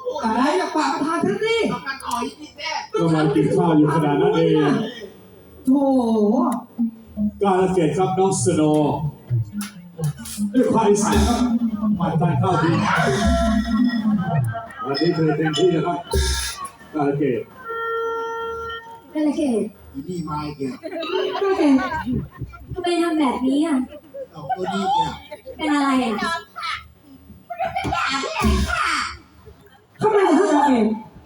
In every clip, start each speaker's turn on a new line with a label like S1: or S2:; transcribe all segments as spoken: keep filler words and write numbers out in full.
S1: อะไรอย่าปากประธานฉันสิกำลังต่อยนิดแน่
S2: กำลังกินข้าวอยู่ขนาดนั้นเอง
S1: โธ่
S2: กาลเกตครับน้องสโนว์ด้วยความใส่ครับมาทานข้าวดีวันนี้เธอเต็มที่นะครับกาลเกต
S3: กาลเกต
S1: อีนี่มาอีกแล้ว
S3: กาลเกตทำไมทำแบบนี้อ่ะ
S1: เอาตัวนี้เนี่ย
S3: เป็นอะไรอ่ะ
S1: ทำไมถึงทำเอง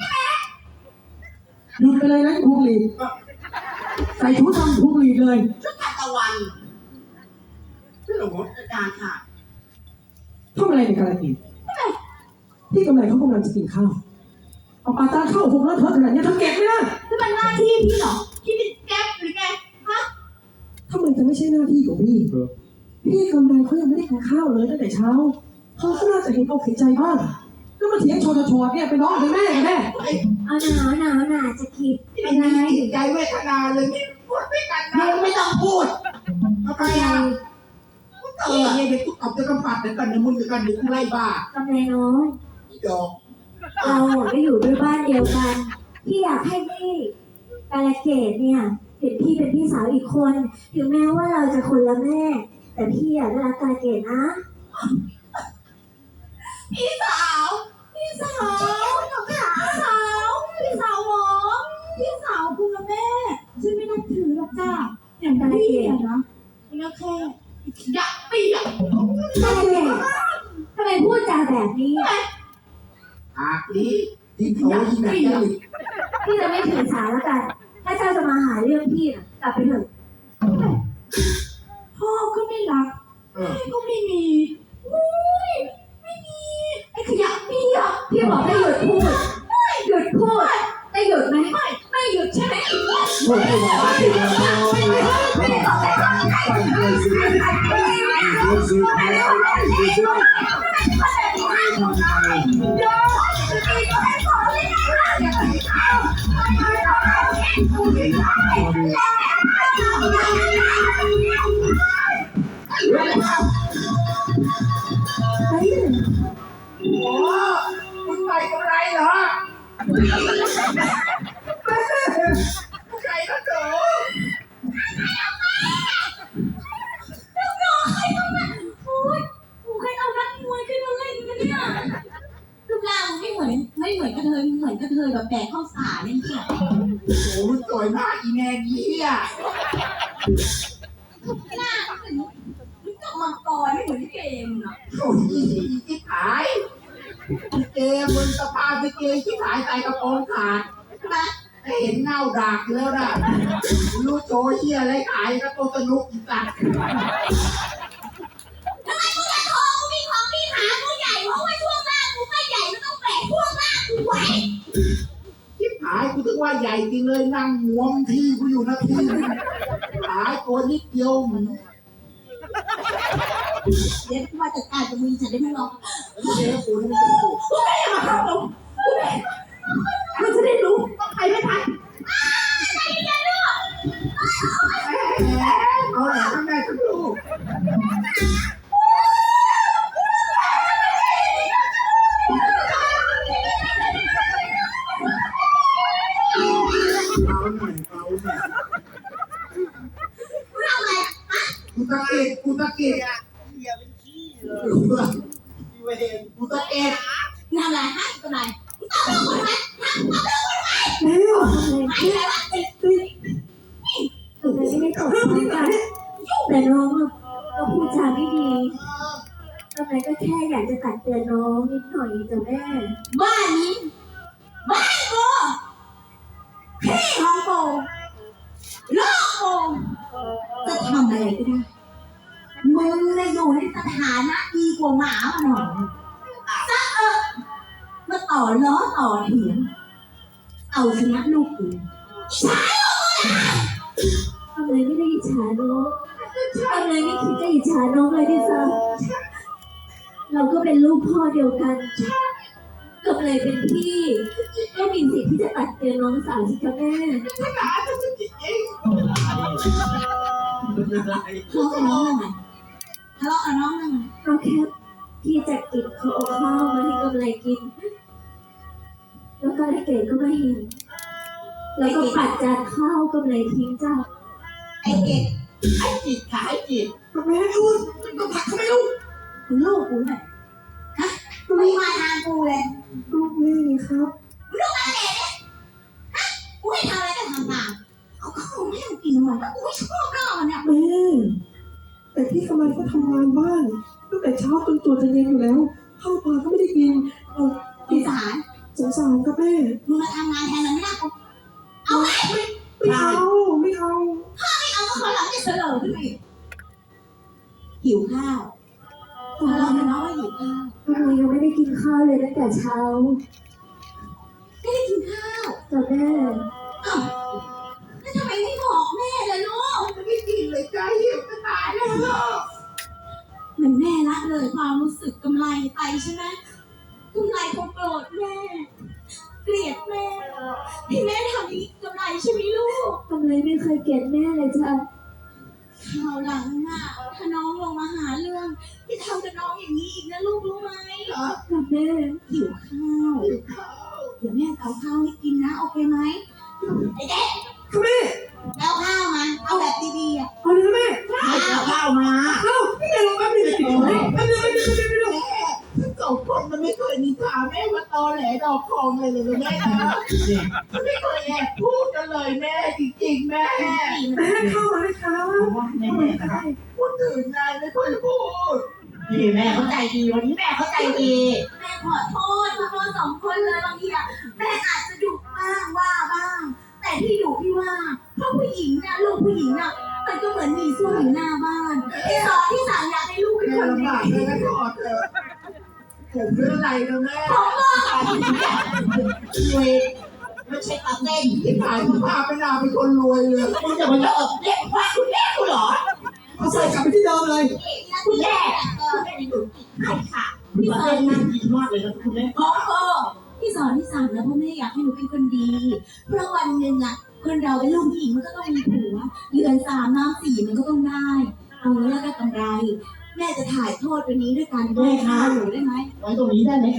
S1: หยุดไปเลยนะพวงหลีดใส่ชุดทำพวงหลีดเลย
S4: ชุดตะวันชื่อหลวงอาจารย์ค่ะ
S1: ทำอะไรในกาลกินพี่กำไรเขากำลังจะกินข้าวเอาปลาตาเข้าหกแล้วเธอขนาดนี้เธอเก็บไม่ได้
S4: นี่มันหน้าที่พี่เหรอพี่เป็นแก๊ปหรือไงฮะ
S1: ทำไมจะไม่ใช่หน้าที่ของพี่พี่กำไรเขายังไม่ได้กินข้าวเลยตั้งแต่เช้าเขาก็น่าจะเห็นอกเห็นใจบ้างแล้วมาเถียงชนชนเนี่ยไปน้องไปแม่กันแม่
S3: เอาหนาวหนาวหนาจะคิด
S4: เป็นไงใจเวทนาเลยนี่พูดไม่กันนะไม่ต้องพูดทำไมอ่ะเออเนี่ยเด็กกูตอบจะกำปัดเดี๋ยวกันเดี๋ยวมึงเดี๋ยวกันเดี๋ยวกูไล่บ้าก
S3: ำไรน้อย
S4: อีดอก
S3: เราก็อยู่ด้วยบ้านเดียวกันพี่อยากให้พี่กาลเกตเนี่ยเห็นพี่เป็นพี่สาวอีกคนถึงแม้ว่าเราจะคนละแม่แต่พี่อยากได้รักกาลเกตนะ
S4: พี่สาวพี่สาวพี่สาวพี่สาวหมอพี่สาวคุณละแม่ฉันไม่นับถือหรอกจ้า
S3: อย่างกาลเกต
S4: นะไม่นับแค่อยากปีอ่ะ
S3: กาลเกตทำไมพูดจาแบบนี้
S4: อากนี้ที่เขาที่ไหนกัน
S3: พี่จะไม่ถือสาแล้วกันถ้าเจ้าจะมาหาเรื่องพี่น่ะกลับไปเถอะ
S4: พ่อก็ไม่รักแม่ก็ไม่มีไม่มีไอ้ขยะปีอ่ะ
S3: พี่บอกให้หยุดพูดหยุดพูดได้หยุดไหมไม่
S4: ไม่หยุดใช่ไหม
S2: ไม่ไม่ไม่ไม่ไม่
S4: โอ้คุณใส่กำไรเหรอใครก็เจอลูกน้องใครต้องมาโอ้ยกูใครเอานักมวยขึ้นมาเล่นกันเนี่ยรูปร่างไม่เหมือนไม่เหมือนกระเทยเหมือนกระเทยแบบแบกข้าวสารนี่ค่ะโอ้โหมันสวยมากอีแม่เหี้ยหน้าเหมือนมันกับมังกรไม่เหมือนเกมอ่ะโอ้ยที่ขายเกมบนสะพานเกมที่ขายใส่กระโปรงขาดใช่ไหมเห็นเงาดากแล้วนะรู้โจเหี้ยอะไรขายกระโปรงสนุกอีสัตว์ทำไมกูจะโทรกูมีของมีหากูใหญ่เพราะว่าช่วงล่างกูไม่ใหญ่มันต้องแบกช่วงล่างกูไว้ที่ขายกูถึงว่าใหญ่จริงเลยนั่งงวงที่กูอยู่นะพี่ขายตัวนิดเดียวเดี๋ยวมาจัดการกับมึงฉันได้ไม่รอเดี๋ยวกูไม่ได้กูกูไม่ได้มาเข้าตรงกูไม่มันจะได้รู้ต้องใครไม่ทันใครจะรู้เอาแหละแม่จะรู้กูตะเกียบกูตะเกียบเหี้ยเป็นขี้เลยเวรกูตะเกียบทำอะไรฮะทำอะไรมึงตอบเราคนไหมฮะตอบเราคนไหม
S3: ไม่หรอกไม่หรอกติดติดถึงไม่ได้ตอบกันแต่น้องก็พูดจาไม่ดีทำไมก็แค่อยากจะตักเตือนน้องนิดหน่อยจ้ะแม่
S4: บ้านนี้บ้านกูพี่ของกูลูกกูจะทำอะไรก็ได้มึงเลยอยู่ในสถานะดีกว่าหมาหน่อยซะเออมาต่อล้อต่อเถียงเอาชนะลูกกูใช่
S3: ทำไมไม่ได้อิจฉาน้องทำไมไม่คิดจะอิจฉาน้องเลยดิซ่าเราก็เป็นลูกพ่อเดียวกันก็เลยเป็นพี่ก็มีสิทธิ์ที่จะตัดเตือนน้องสาวสิคะแม่
S4: ทะเลาะกันจริงทะเลาะกับน้องทะเลาะกับน้องนั่น
S3: ก็แค่พี่จะกินเขาเอาข้าวมาให้กำไรกินาลิเกตก็ไม่เห็น แล้วก็ปัดจานข้าวกำไรทิ้งจ้า
S4: ไอ้เกดไอ้จิตค่ะไอ้จิต
S1: แม่ลูกต้องผักทำไมลูก
S4: มึงลูกกูเนี่ยฮะมึงมาทางกูเลย
S1: ลูกแม่ไงครับ
S4: มึงลูกอะไรเนี่ยฮะกูให้ทำอะไรก็ทำตามเอาข้าวให้มึงกินหน่อยแล้วกูไม่ชอบหน้ามันเนี่ย
S1: แม่แต่พี่กำลังก็ทำงานบ้านตั้งแต่เช้าจนตัวจะเย็นอยู่แล้วข้าวปลาก็ไม่ได้กินเออ
S4: สงสาร
S1: สงสารครับแม่
S4: มึงมาทำงานแทนมันไม่ได้กูเอาไหม
S1: ไม่เอาไม่เอา
S4: ไม่เอาก็ขอหลังจะเสลอขึ้นมาอีกหิวข้าวทะเลาะกันเนาะว่าหิวข้าว
S3: ทำไมยังไม่ได้กินข้าวเลยตั้งแต่เช้า
S4: ไม่ได้กินข้าว
S3: จ้าแม่
S4: อ้าวแล้วทำไมไม่บอกแม่ล่ะลูกไม่ได้กินเลยจ้าหิวจะตายแล้วเหมือนแม่ละเลยความรู้สึกกำไรไปใช่ไหมกำไรคงโกรธแม่เกลียดแม่ที่แม่ทำอย่างนี้กำไรใช่ไหมลูก
S3: ทำไมไม่เคยเกลียดแม่เลยจ้า
S4: คราวหลังน่ะถ้าน้องลงมาหาเรื่องที่ทำกับน้องอย่างนี้อีกนะลูกรู้ไหม
S3: จ้าแม่
S4: หิวข้าวหิวข้าวเดี๋ยวแม่เอาข้าวให้กินนะโอเคไหมไอ้เด็ก
S1: ครับแม่
S4: เอาข้าวมาเอาแบบดีๆอ่ะ
S1: เอาเลยนะแม่
S4: เอาข้าวมา
S1: เอ้าพี่แม่ลงแป๊บนึงจะกินไหมแป๊บนึงแป๊บนึงแป๊บนึงแป๊บนึง
S5: ทั้งสองคนมันไม่เคยนินทาแม่ว่าตอแหลดอกทองเลยเลยแม่นะมันไม่เคยแอบพูดกันเลยแม่จริงๆแม่
S1: แม่เข้ามาเลยครับ
S5: แม่นะพูดถึงนายไม่เคยพูดนี่แม่เข้าใจดีวันนี้แม่เข้าใจดี
S4: แม่ขอโทษขอโทษสองคนเลยบางทีอ่ะแม่อาจจะดุบ้างว่าบ้าง แต่ที่ดุที่ว่าเพราะผู้หญิงเนี่ยลูกผู้หญิงอ่ะมันก็เหมือนมีสู้อยู่หน้าบ้านที่สอนที่สั่งอยากให้ลูกเป็น
S5: แม่
S4: คนดี
S5: ลำบากเลยนะขอเถอะผมเป็นอะไรนะแม่
S4: ของลูก
S5: รวยไม่ใช่ตาเต้นที่ผ่านมาพาไปนาเป็นคนรวยเลยมึงจะมาเยอะเรียกว่าคุณแม่กูเหรอ
S1: เอาใส่กลับไปที่เดิมเลย
S5: คุณแม่คุณแม่มีหนูใช่ค่ะพี่ตาเต้นน่าดีมากเลยนะคุณแม่
S4: ของโกที่สอนที่สั่งนะเพราะแม่อยากให้หนูเป็นคนดี เพราะวันหนึ่งอ่ะคนเราเป็นลูกผู้หญิงมันก็ต้องมีผัวเรือนสามน้ำสี่มันก็ต้องได้ เอาเงี้ยแล้วก็กำไร แม่จะถ่ายโทษวันนี้ด้วยการแม่ค้าหนูได้ไหม
S5: ไว้ตรงนี้ได้ไหมคะ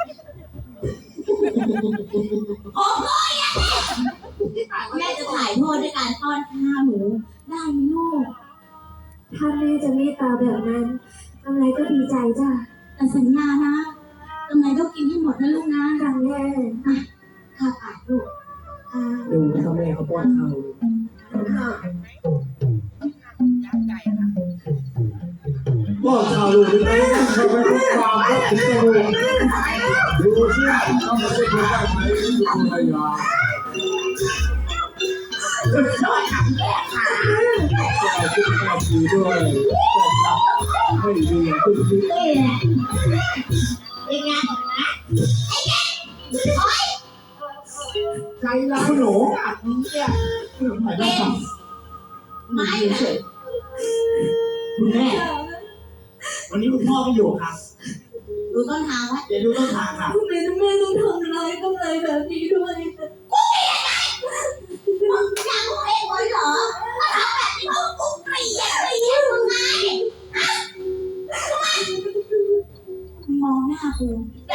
S4: โอ้ยอ่ะแม่จะถ่ายโทษด้วยการป้อนข้าวหนูได้ไหมลูก
S3: ถ้าแม่จะเมตตาแบบนั้นกำไรก็ดีใจจ้า
S4: แต่สัญญานะกำไรต้องกินให้หมดนะลูกนะ
S3: จ้าแม่
S4: ข้าวผัดลูกข้าว
S1: ดูนะครับแม่เขาป้อนข้าว
S2: ก็ข่าวลูกเป็นไงทำไมต้องความรักถึงจะรู้ดูสิต้องมาช่วยคนได้ไหมคุณภรรยา
S5: ชอบทำแย่ค่ะ
S2: ก็คิดแค่ดีด้วยก็ให้ดีอย่างที่คิด
S5: เป็นไงนะใจร้ายหนูอัดนี้เนี่ยหมายต้อง
S4: ไม่นะ
S5: คุณแม่ วันนี้คุณพ่อไม่อยู่ครับ
S4: ดูต้นทางไว้
S5: เดี๋ยวดูต้นทางค่ะ
S3: ทำไมแม่ต้องทำร้ายกำไรแบบนี้ด้วย
S4: มึงจะกูเองเหรอมาทำแบบนี้เพราะกูเกลียดเกลียดมึงไงฮะทำไมมองหน้ากู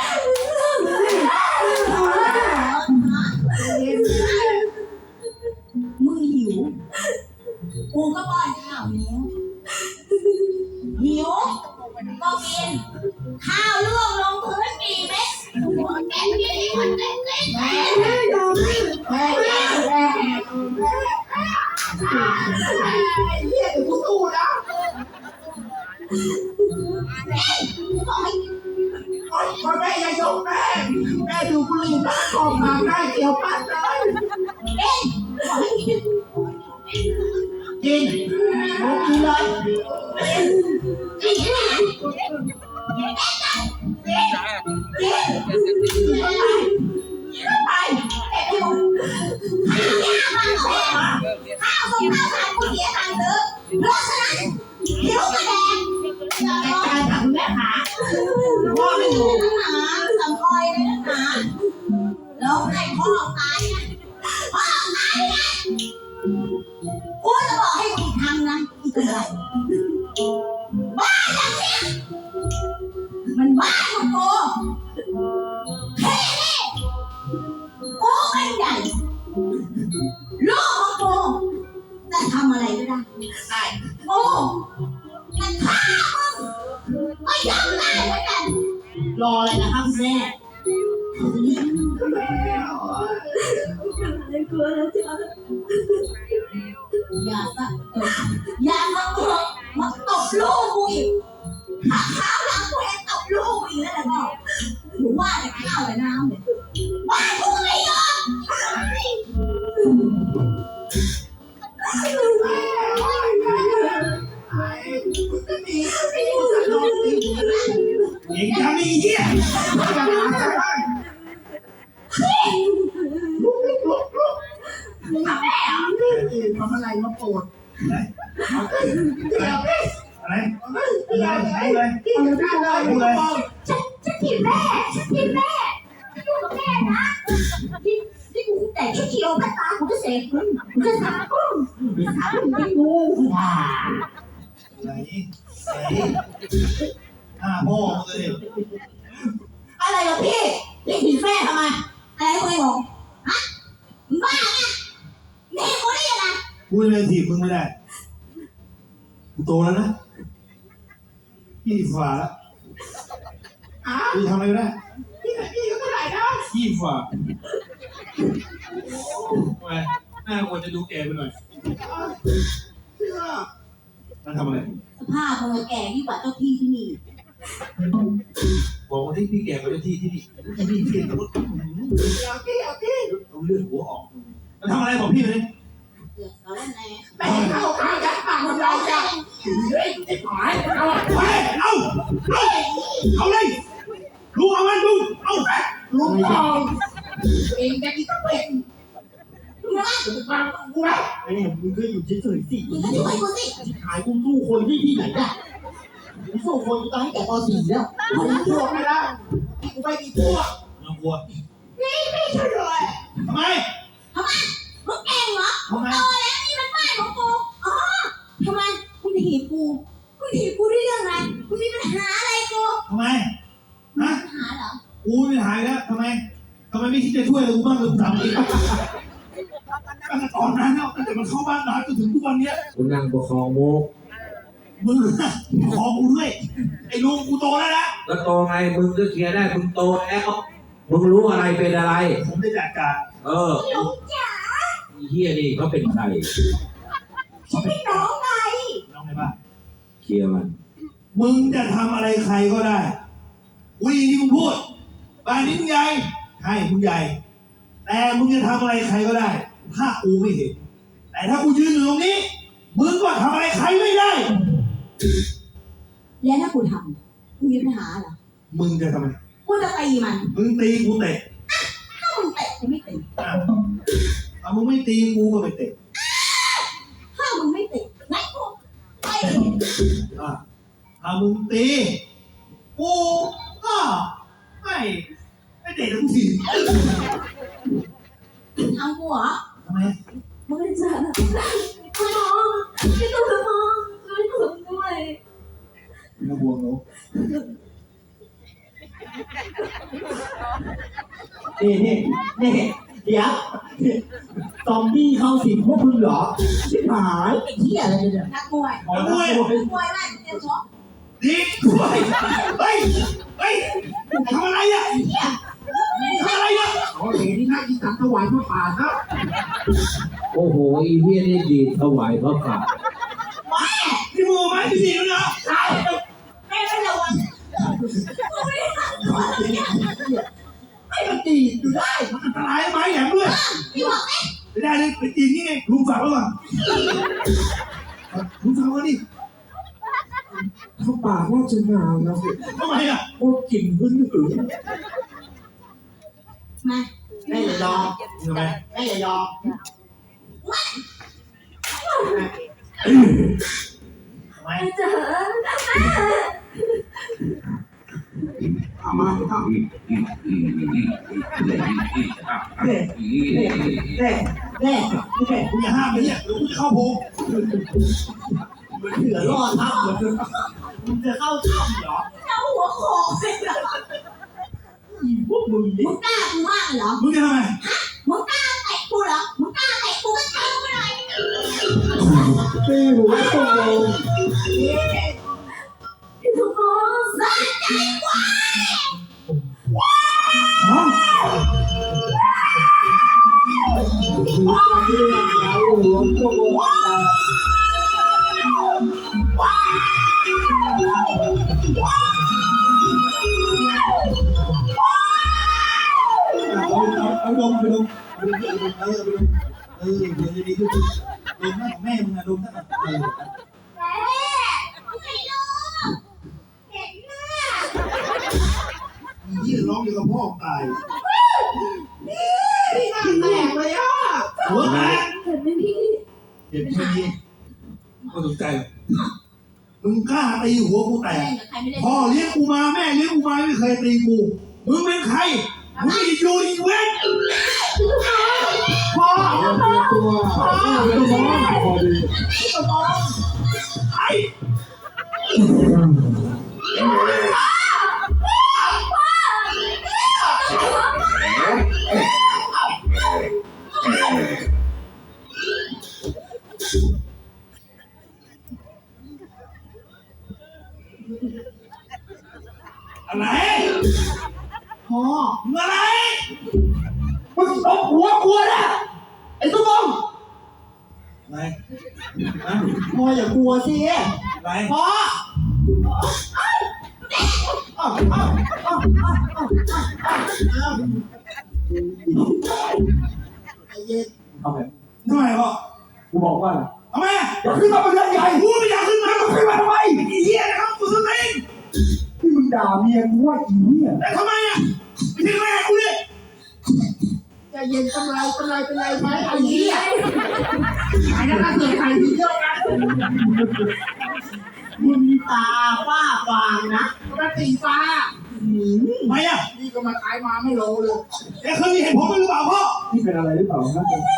S4: มึงหิวกูก็ป้อนข้าวแล้วหิวก็กินข้าวล่วงลงพื้นกี่เม็ดหัวแกงกินมันเต็มเลยแม่
S5: แม่แม่แม่แม่แม่เรียกเดี๋ยวกูสู้นะพ่อแม่อย่ายกแม่แม่ดูบุหรี่บ้านกองมาได้เกี่ยวปั้นเลยกินโอ้กินเลยไป
S4: ข้าวส่งข้าวสารกูเสียตังค์ซื้อเพราะฉะนั้นเดี๋ยวมาแดง
S5: จัดการกับคุณแม่ขาพ่อไม่อยู่
S4: นักหนาสังคอยเลยนักหนาแล้วให้พ่อตายนะพ่อตายนะกูจะบอกให้มึงทำนะอีกอะไรบ้านหลังเนี้ยมันบ้านของกูเฮ้ย
S5: ได้
S4: โง่มันฆ่ามึงไม่ยอมได้เหมือนกัน
S5: รออะไรนะครับแม่
S3: ไม่กลัวแล้วจ้ะ
S4: อย่าซะเอออย่ามาเถอะมาตบลูกกูอีกถ้าขาวหลังกูเห็นตบลูกกูอีกแล้วก็หนูว่าแต่ข้าวแต่น้ำเนี่ยว่ากูไม่ยอม
S2: เองทำนี่เหี้ยอย่าหาใจบ้าง
S5: ลุกลุกลุกลุก
S4: ทำแม่เหรอ
S5: ทำอะไรมาโปรด
S2: อะไร
S5: เดี๋ยวพี่
S2: อะไรอะไรอะไร
S5: พี่จะได้เลยพี่จะบอก
S4: ฉันฉันผิดแม่ฉันผิดแม่ฉันอยู่กับแม่นะที่ที่กูแต่ชุดเขียวพันตากูจะเสกมึงกูจะสาบมึงกูจะสาบมึงเป็นงูอ่ะ
S2: ไหนไหนห้าพ่อมึงเลย
S4: อะไรเหรอพี่พี่ผิดแม่ทำไมอะไรกูไม่บอกฮะมึงบ้าไงนี่กูได้ยังไง
S2: พูดเลยถีบมึงไม่ได้กูโตแล้วนะยี่สิบฝ่าแล้ว
S5: อ้าว
S2: กูทำอะไรไม่ได้
S5: พี่พี่ก็เท่าไหร่นะ
S2: ยี่สิบฝ่าทำไมหน้าควรจะดูแก่ไปหน่อย
S5: เชื่อ
S2: มันทำอะไร
S4: สภาพมึงแก่ยิ่งกว่าเจ้าที่ที่นี่
S2: บอกว่าที่พี่แก่กว่าเจ้าที่ที่นี่ไอ้นี่เพี้ยนรถ
S5: เดี๋ยวพี่เดี๋ยวพี่
S2: เอาเลือดหัวออกมันทำอะไรบอกพี่เลย
S4: เดือดร้อนแน่
S5: ไปเข้าข้างยัดปากคนเราจะเฮ้ยไอ้หมายเอา
S2: ไปเอาเอาเอาเลยลุงเอามันลุงเอา
S5: ลุงทองเองจะกินตะเป็นมึงนะมากูนะ
S6: ไอ้มึงก็อยู่เฉยๆสิ
S4: มึงก็ช่วยกูสิ
S6: ขายกูสู้คนที่ที่ไหนอ่ะกูสู้คนกูตายแต่ป .สี่ แล้ว
S5: กูมีพวกไม่ได้กูไม่มีพวก
S2: น้องกลัว
S5: นี่ไม่ช่วยเลย
S2: ทำไม
S4: ทำไมมึงเก่งเหรอ
S2: ทำไม
S4: โตแล้วนี่มันบ้านของกูอ๋อทำไมคุณถีบกูคุณถีบกูด้วยเรื่องอะไรคุณมีปัญหาอะไรกู
S2: ทำไมฮะ
S4: ปัญหาเหรอ
S2: กูไม่หายแล้วทำไมทำไมไม่คิดจะช่วยกูบ้างเลยกูถามจริงตั้งแต่ตอนนั้นแล้วตั้งแต่มันเข้าบ้านมาจนถึงทุกวันเนี้ย
S6: กูนั่งประคองโมก
S2: มึงขอกูด้วยไอ้ลุงกูโตแล้วนะ
S7: แล้วโตไงมึงก็เคลียร์ได้มึงโตแล้วมึงรู้อะไรเป็นอะไร
S2: ผมได้จัดการ
S7: เออ
S4: หลงจ๋า
S7: ไอ้เฮียนี่เขาเป็นใคร
S4: ฉันเป็นน้องไง
S2: น้องไงบ้าง
S7: เคลียร์มัน
S2: มึงจะทำอะไรใครก็ได้กูได้ยินที่มึงพูดบ้านนี้มึงใหญ่ใช่มึงใหญ่ แต่มึงจะทำอะไรใครก็ได้ ถ้ากูไม่เห็น แต่ถ้ากูยืนอยู่ตรงนี้ มึงก็ทำอะไรใครไม่ได้
S4: แล้วถ้ากูทำกูมีปัญหาเหรอ
S2: มึงจะทำไม
S4: กูจะตีมัน
S2: มึงตีกูเตะ
S4: ถ้ามึงเตะกูไม่ตี
S2: อ่ะถ้ามึงไม่ตีกูก็ไม่เตะ
S4: ถ้ามึงไม่เตะงั้นกูไป
S2: อ่ะถ้ามึงตีกูก็ไม่ไม่เตะทั้งที
S4: ทำกูเหรอ
S2: ทำไม
S3: ไม่จ้ะคุณน้องไม่ต้องมองช่วยผมด้วย
S2: ไม่ต้องห่วงหนู
S6: นี่นี่นี่เดี๋ยวซอมบี้เข้าสิงพวกมึงเหรอชิบหายไอ้เหี้ยอะไรเนี่ย
S4: นักมวย
S2: ขอด้วย
S4: มวยไล่เตรียมชก
S2: ดีด้วยเฮ้ยเฮ้ยทำอะไรอ่ะทำอะไรอ่ะ
S5: โอ้เห็นนี่น่ากินตังถวายพระป่าครับ
S7: โอ้โหไอ้เฮียนี่ดีดถวายพระป่า
S2: นี่มึงเอาไม้ที่ดีแล้วนะ
S4: ใช่แม่ไม่ระวังกูไม่ได้ทำตัวเลยเนี่ย
S2: ไอ้มันตีอยู่ได้มันอันตรายไม้แหลมด้วย
S4: พี่บอกไหม
S2: ไม่ได้เลยไปตีนี่ไงลุงฝากไว้ก่อนลุงฝากไว้ดิ
S6: เข้าป่าน่าจะหนาวนะ
S2: ทำไมอ่ะ
S6: โอ้กลิ่นขึ้นอืด
S4: มา
S5: แม่อย่ายอม
S2: ทำไม
S5: แม่อย่ายอม
S2: ทำไม
S3: แม่จ๋า
S5: เอามาเอา
S6: แน่แน่แน่แน่
S2: คุณอย่าห้ามเลยเนี่ยเดี๋ยวกูจะเข้าโพง
S6: มันเหลือรอดทับเหลือมึงจะเข้าถ้ำเหรอ
S4: เจ้าหัวโขกเลยเหรอ
S6: พวกมึง
S4: มึ
S6: นี่
S4: งกล้ากูมากเหรอ
S2: มึงจะทำไม
S4: มึงกล้าเตะกูเหรอมึงกล้าเตะกูก็เตะกูหน่อย
S6: ตีหัวตุ้มลง
S3: พี่สมพงษ์
S4: สะใจกว่า
S6: หัวเรื่องยาวหัวตุ้มลงแต่
S2: เอาเอาเอาดมไปดมเออไปดมเออเดี๋ยวจะดีขึ้นดมหน้าของแม่มึงนะดมหน้าเออ
S4: แม่ไม่รู้เห็นหน้า
S2: ยี่ร้องอยู่กับพ่อตาย
S5: พี่หน้าแตกเลยอ่ะ
S2: หัวแตก
S3: เห็นไหมพี่
S2: เจ็บแค่นี้ก็สนใจมึงกล้าตีหัวกูแตก
S4: ใครไม่ได้
S2: พ่อเลี้ยงกูมาแม่เลี้ยงกูมาไม่เคยตีกูมึงเป็นใครมึงอีอยู่อีเว้น
S5: พ่อ
S6: ตัวตุ้มลงพอดี
S2: ไอ้ อะไร
S5: พ่อ
S2: มึงอะไร
S6: มึงตบหัวกูนะไอ้ตุ้มลง
S2: อะไรฮะ
S5: พ่ออย่ากลัวสิ
S2: อะไร
S5: พ่ออ้าวอ้าวอ้าวอ้าวอ้าวอ้าวไอ้เย็น
S6: ทำไม
S2: ทำไมพ่อ
S6: กูบอกว่า
S2: ทำไม
S6: อย่าขึ้นมาเป็นเรื่องใหญ่
S2: กูไม่อยากขึ้นมามึงขึ้นมาทำไมไอ้เหี้ยนะครับกูสติง
S6: ที่มึงด่าเมียกูว่าอีเนี่ย
S2: แต่ทำไมอ่ะไม่ใช่แม่กูดิ
S5: ใจเย็นกำไรกำไรเป็นไรไหมไอ้เหี้ยไอ้นั่นก็เสือกใส่ทีเดียวกันมึงตาฝ้าฟางนะปกติฟ้าหืม
S2: ทำไมอ่ะ
S5: นี่ก็มาขายมาไม่โลเลย
S2: แกเคยมีเหตุผลหรือเปล่าพ่อ
S6: นี่เป็นอะไรหรือเปล่าครับ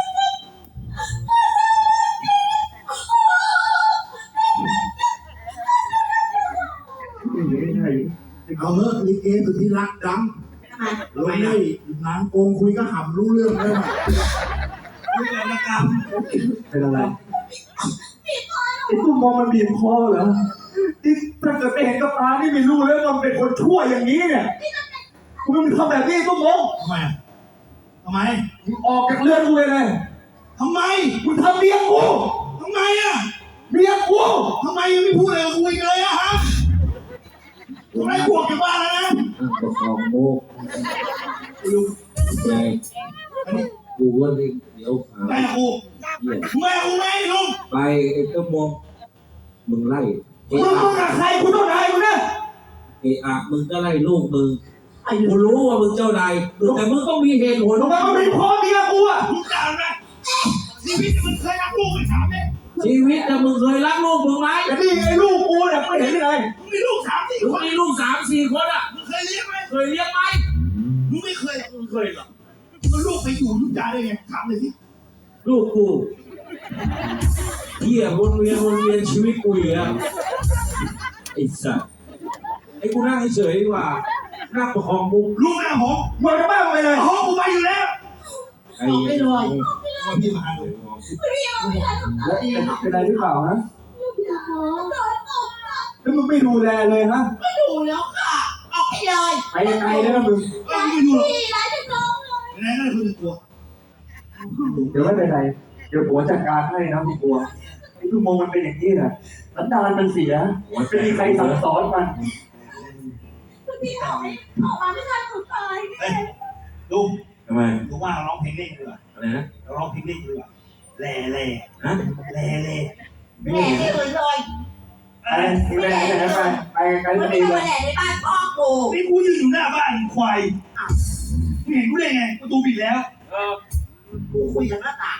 S6: ไม่ใช่
S5: เอาเถอะลิเกสุดที่รักดังลงได้นางโกงคุยก็หำรู้เรื่องเลย
S2: ไม่เกิดละกรรม
S6: เป็นอะไรไอ้ตุ้มมองมันบีบคอเหรอที่ถ้าเกิดไปเห็นกับตานี่ไม่รู้เลยว่ามันเป็นคนชั่วอย่างนี้เนี่ยกูมันทำแบบนี้ตุ้มมอง
S2: ทำไมอ่ะทำไม
S6: มึงออกจากเรือนกูเลยเลย
S2: ทำไม
S6: มึงทำเมียกู
S2: ทำไมอ่ะ
S6: เมียกู
S2: ทำไมยังไม่พูดอะไรกับกูอีกเลยอะฮะกูไล่พวกจากบ้านแล้วนะ
S7: ประคองโมก
S2: ลุง
S7: ใจกูว่าเดี๋ยวหา
S2: แม่กู
S7: เหี้ย
S2: แม่กูไม่ลุง
S7: ไปไอ้เจ้ามองมึงไล่เอะ
S6: มึงมึงกับใครกูต้องไหนกูเนี่ย
S7: เอะอะมึงก็ไล่ลูกมึงกูรู้ว่ามึงเจ้านายแต่มึงต้องมีเหตุผล
S6: ทำไมมันเป็นพ่อเมียกูอ่ะ
S2: มึงด่าไหมชีวิตมันเคยรักลูกไปถามเนี่ย
S7: ชีวิตแต่มึงเคยรักลูกมึงไหม
S6: แต่นี่ไอ้ลูกกูเนี่ยไม่เห็นยังไง
S2: มึงมีลูกสามสี่
S7: มึง
S2: คน
S7: มีลูกสามสี่คนอ่ะ
S2: มึงเคยเลี้ยงไหม
S7: เคยเลี้ยงไหม
S2: มึงไม่เคย
S7: มึงเคยเหรอ
S2: มันลูกไปอยู่ทุกอย่างได้ไงถามเลยสิ
S7: ลูกกูเที่ยวนเวียนวนเวียนชีวิตกูอยู่แล้วไอ้สัสไอ้กูนั่งเฉยๆดีกว่านั่งประคองมุก
S2: ลูกแม่ผม
S6: มึงจะบ้าไปเลย
S2: ห้องกูไปอยู่แล้ว
S7: ไอ้ไม่ลอย
S2: ว่าพี่มาเลย
S6: แล้วเป็นอะไรหรือเปล่าฮะ
S3: พี่สมพงษ์
S6: แล้วมึงไม่ดูแลเลยฮะ
S5: ไม่ดูแล้วค่ะออกไปเลย
S6: ไปยังไงเนี่ยนะมึง
S2: เอ้ยมึงไม่ดูหรอก
S4: พี่ร้ายจะน้องเลย
S2: ไหนๆก็เลยคุณจะกลัว
S6: เดี๋ยวไม่เป็นไรเดี๋ยวผัวจัดการให้นะพี่กลัวไอ้ตุ้มมองมันเป็นอย่างนี้นะสันดานมันเสียไม่มีใครสั่งสอนมัน
S4: พี่ออกไม่ออกมาไม่ทันหนูตาย
S2: เฮ้ยลุง
S7: ทำไม
S2: ลุงว่าเราร้องเพลงเล่นดีกว่า
S7: อะไรนะ
S2: เราร้องเพลงเล่นดีกว่าแหล่แหล่
S7: ฮะ
S2: แหล่แหล่
S4: แหล่ไม่เลยเลย
S6: ไปไปไหนไปไหนไปไปไกล
S4: มัน
S6: ๆ
S4: ไม่
S6: ดี
S4: ได้
S6: เล
S4: มาย แหล่ในบ้านพ่อกู
S2: นี่กูยืนอยู่หน้าบ้านควายมึงเห็นกูได้ไงประตูปิดแล้ว
S5: กูคุยกับหน้าต่าง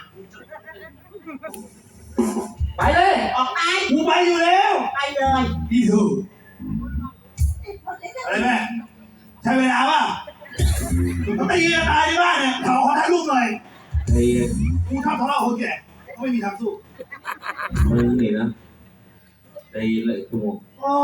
S6: ไปเลย
S5: ออกไป
S2: กูไปอยู่แล้ว
S5: ไปเลย
S2: ดีถูกอะไรแม่ใช้เวลาป่ะก็ตีกันตายในบ้านเนี่ยเขาขอถ่ายรูปหน่อย
S7: ไอ้
S2: กูชอบทะเลาะคนแก่เขาไม่มีทางสู้
S7: มึงนี่นะไอ้เลยกู
S2: โอ้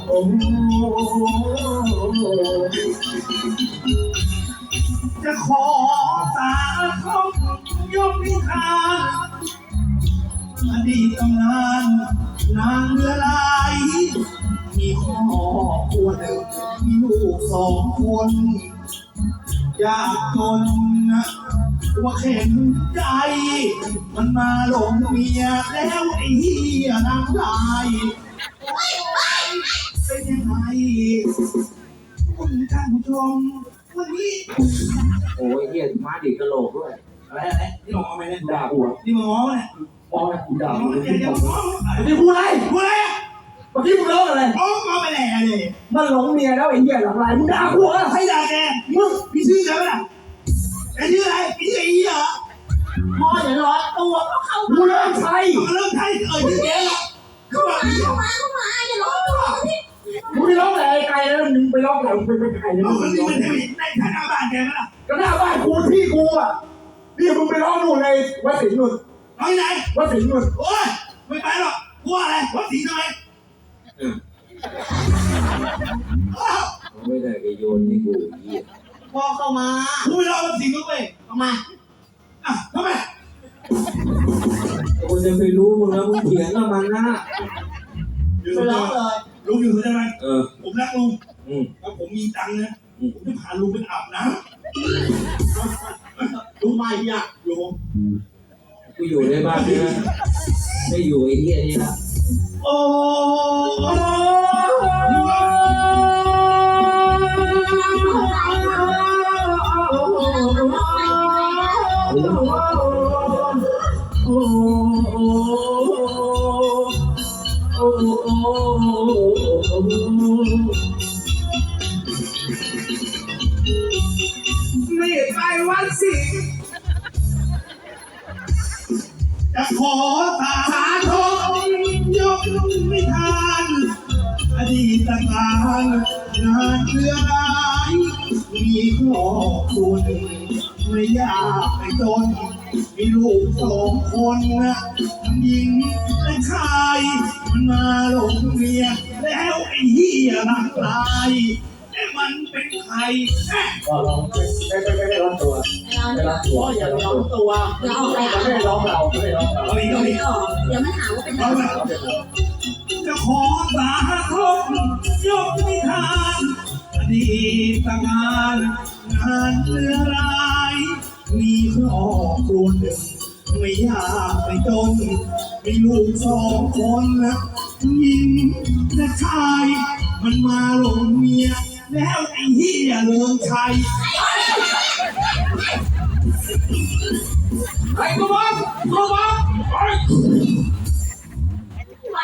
S7: โอ้
S2: จะขอสาธบยกนิทานอดีตตำนานนางเรือลายมีครอบครัวหนึ่งมีลูกสองคนยากจนนะว่าเข็นใจ มันมาหลงเมียแล้วไอ้เหี้ยนางลายเป็นยังไงคุณท่านผู้ชมวันนี้
S7: โอ้ยเฮียมาดิกระโหลกด้วย
S2: อะไรอะไรนี่หมอไหมเนี่ย
S6: ด่ากูอ่ะ
S2: นี่มึงง้อเนี่ย
S6: มองกูด่า
S2: หม
S6: กู
S2: อ
S6: เลย
S2: เดี๋ยวเดี๋ยวง้อ
S6: เมื่อกี้พูดอะไร
S2: พูดอะไร
S6: เมื่อกี้มึงร้องอะไร
S2: ง้อง้อไปแหล่เลย
S6: มันหลงเมียแล้วไอ้เหี้ยหลังลายมึงด่ากูอ่ะ
S2: ใครด่าแกมึงมีชื่อแกไหมล่ะแกชื่ออะไรมีชื่อไอ้เหี้ยเหรอ
S5: พ่ออย่าร้อนตัวก็เข้า
S6: กูเลิกใช้
S2: มึงเริ่มใช้เอ่ยชื่อแกหรอเข้ามา
S4: เข้ามาเข้ามาอย่าร้องตัวพี่
S6: มึงไปร้องอะไรไกลแล้วมึงไปร้องอะไรมึงไปไปไกลแล้ว
S2: เอา
S6: มึง
S2: คน
S6: ไป
S2: นี้
S6: ร้อง
S2: มันจะไปในฐานะบ้านแกไหมล่ะ
S6: ก็หน้าบ้านกูที่กูอ่ะนี่มึงไปร้องนู่นในวัดสิงห์นู่น
S2: เอาที่ไหน
S6: วัดสิงห์นู่น
S2: โอ้ยไม่ไปหรอกกลัวอะไรวัดศรีทำไมอ้าว
S7: ไม่ได้ไปโยนให้กูเหี้ย
S5: พ่อเข้ามา
S2: กูไม่รอวัดศรีก็ไป
S5: เข้ามา
S2: อ่ะทำไม
S7: กูจะไปรู้มึงแล้วมึงเถียงกับมันนะ
S2: อยู่
S5: ไปร้องเลย
S2: ลุงอยู่ได้ไหม
S7: เออ
S2: ผมรักลุง
S7: อืม
S2: ถ้าผมมีตังค์นะ
S7: อืม
S2: ผมจะพาลุงไปอาบน้ำลุงไม่อยากอยู่ผม
S7: กูอยู่ในบ้านใช่ไหมไม่อยู่ไอ้เหี้ยนี่ละ
S2: โอ้ไม่ไปวัดสิจะขอสาธงยกนิทานอดีตการงานเรือร้ายมีครอบครัวหนึ่งไม่ยากไม่จนมีลูกสองคนนะทั้งหญิงและชายมันมาหลงเมียแล้วไอ้เหี้ยหลังลายแต่มันเป็นใครแม่
S6: ก็ร้องไม่ไม่ไม่ไม่ร้องตัวไม่ร้องตัว
S5: พ่ออย่าร้อนตัว
S4: อย่าออกไป
S6: ไม่ได้ร้องเราไม่ได้ร้องเรา
S2: เอาอีกเอาอีก
S4: เดี๋ยวมันหาว่าเป็น
S2: เอา
S4: เรา
S2: ไปจะขอสาธงยกนิทานอดีตงานงานเรือร้ายมีครอบครัวหนึ่งไม่ยากไม่จนมีลูกสองคนนะหญิงและชายมันมาหลงเมียแล้วไอ้เหี้ยเลิงชัย
S7: ไอ้กูบอกกูบอกไอ้
S4: ไหว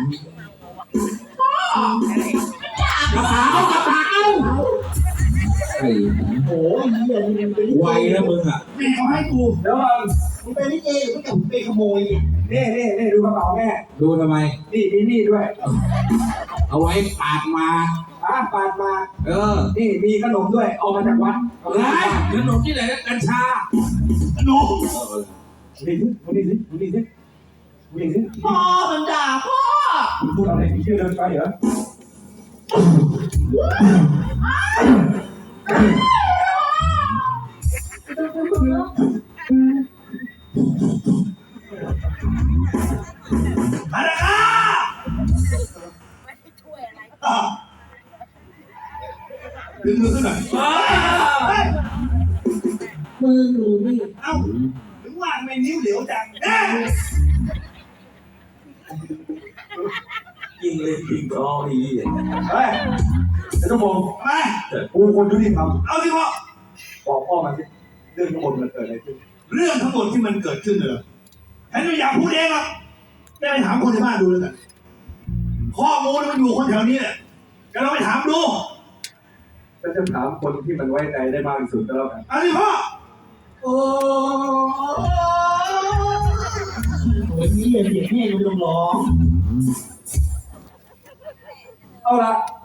S7: กระเป๋ากระเป๋าไอ้
S5: โอ้ยเหี้ยมึงเป็น
S7: ไวนะมึงอ่ะ
S2: แม่เขาให้กู
S6: เดี๋ยวก่อน
S5: มึงเป็นลิเกหรือไม่กับมึงเป็นขโมยเนี่ย
S6: นี่นี่นี่ดูกระเป๋าแม่
S7: ดูทำไม
S6: นี่มีนี่ด้วย
S7: เอาไว้ปาดมา
S6: อ่ะปาดมา
S7: เออ
S6: นี่มีขนมด้วยเอามาจากวัดเอา
S7: ไอ้
S6: มาจากวัด
S7: ขนมที่ไหนนะกัญชา
S2: หนู
S6: นี่สิดูนี่สิดูนี่สิดูนี่สิ
S5: พ่อมันด่าพ่อ
S6: มึงพูดอะไรมีชื่อเดินไปเหรอ
S2: อาราคาอ่ะดึงมือขึ้นหน่อยเฮ้ย
S3: มือหนูนี่
S2: เอ้าถึงว่าไม่นิ้วเหลวจังเอ๊ะ
S7: ยิงเลยยิงคอไอ้เหี้ย
S6: เฮ้ยไอ้ต้องมอง
S2: ไป
S6: กูคนยุติธรรม
S2: เอาสิพ่อ
S6: บอกพ่อมาสิเรื่องทั้งหมดมันเกิดอะไรขึ้น
S2: เรื่องทั้งหมดที่มันเกิดขึ้นเลยฉันไม่อยากพูดเองหรอกได้ไปถามคนในบ้านดูแล้วกันข้อมูลมันอยู่คนแถวนี้แหละก็เราไปถามดู
S6: ฉันจะถามคนที่มันไว้ใจได้มากที่สุดก็แล้วกัน
S2: เอาสิพ่อ
S5: โอ้โหเหี้ยเสียงแม่มึงต้องร้อง
S6: เอาละ